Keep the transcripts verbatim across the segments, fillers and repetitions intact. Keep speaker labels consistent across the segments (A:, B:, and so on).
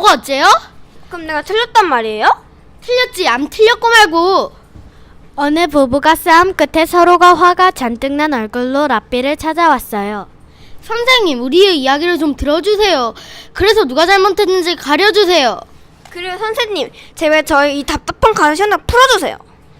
A: 그러고 어째요?
B: 그럼 내가 틀렸단 말이에요?
A: 틀렸지. 안 틀렸고 말고.
C: 어느 부부가 싸움 끝에 서로가 화가 잔뜩 난 얼굴로 라삐를 찾아왔어요.
A: 선생님, 우리의 이야기를 좀 들어주세요. 그래서 누가 잘못했는지 가려주세요.
B: 그리고 선생님, 제발 저희 이 답답한 가시 하나 풀어주세요.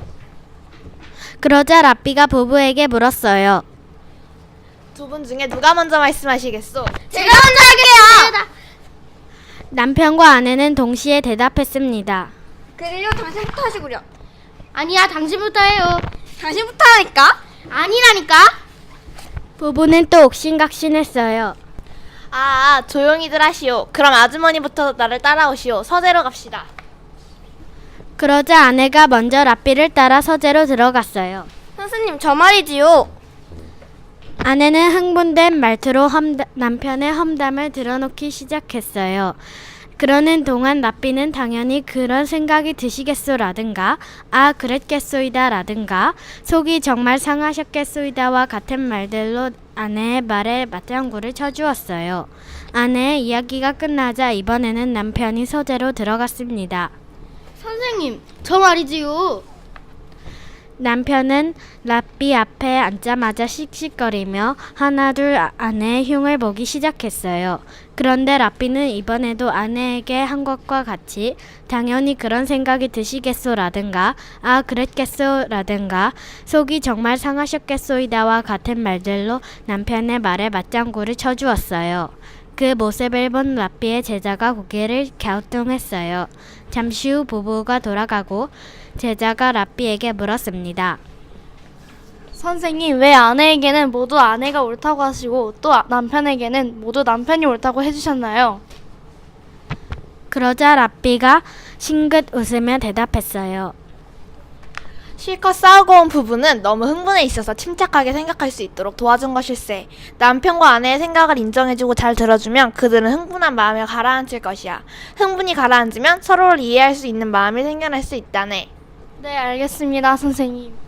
C: 그러자 라삐가 부부에게 물었어요.
D: 두 분 중에 누가 먼저 말씀하시겠소?
A: 제가 먼저 할게요.
C: 남편과 아내는 동시에 대답했습니다.
B: 그래요, 당신부터 하시구려.
A: 아니야, 당신부터 해요.
B: 당신부터 하니까?
A: 아니라니까.
C: 부부는 또 옥신각신했어요.
D: 아, 조용히들 하시오. 그럼 아주머니부터 나를 따라오시오. 서재로 갑시다.
C: 그러자 아내가 먼저 라삐를 따라 서재로 들어갔어요.
B: 선생님, 저 말이지요.
C: 아내는 흥분된 말투로 험다, 남편의 험담을 들어놓기 시작했어요. 그러는 동안 라삐는 당연히 그런 생각이 드시겠소라든가 아 그랬겠소이다 라든가 속이 정말 상하셨겠소이다와 같은 말들로 아내의 말에 맞장구를 쳐주었어요. 아내의 이야기가 끝나자 이번에는 남편이 서재로 들어갔습니다.
A: 선생님, 저 말이지요.
C: 남편은 라삐 앞에 앉자마자 씩씩거리며 하나둘 아내의 흉을 보기 시작했어요. 그런데 라삐는 이번에도 아내에게 한 것과 같이 당연히 그런 생각이 드시겠소라든가 아 그랬겠소라든가 속이 정말 상하셨겠소이다와 같은 말들로 남편의 말에 맞장구를 쳐주었어요. 그 모습을 본 라삐의 제자가 고개를 갸우뚱했어요. 잠시 후 부부가 돌아가고 제자가 라삐에게 물었습니다.
E: 선생님, 왜 아내에게는 모두 아내가 옳다고 하시고 또 남편에게는 모두 남편이 옳다고 해주셨나요?
C: 그러자 라삐가 싱긋 웃으며 대답했어요.
D: 실컷 싸우고 온 부부는 너무 흥분해 있어서 침착하게 생각할 수 있도록 도와준 것일세. 남편과 아내의 생각을 인정해주고 잘 들어주면 그들은 흥분한 마음을 가라앉힐 것이야. 흥분이 가라앉으면 서로를 이해할 수 있는 마음이 생겨날 수 있다네.
E: 네, 알겠습니다, 선생님.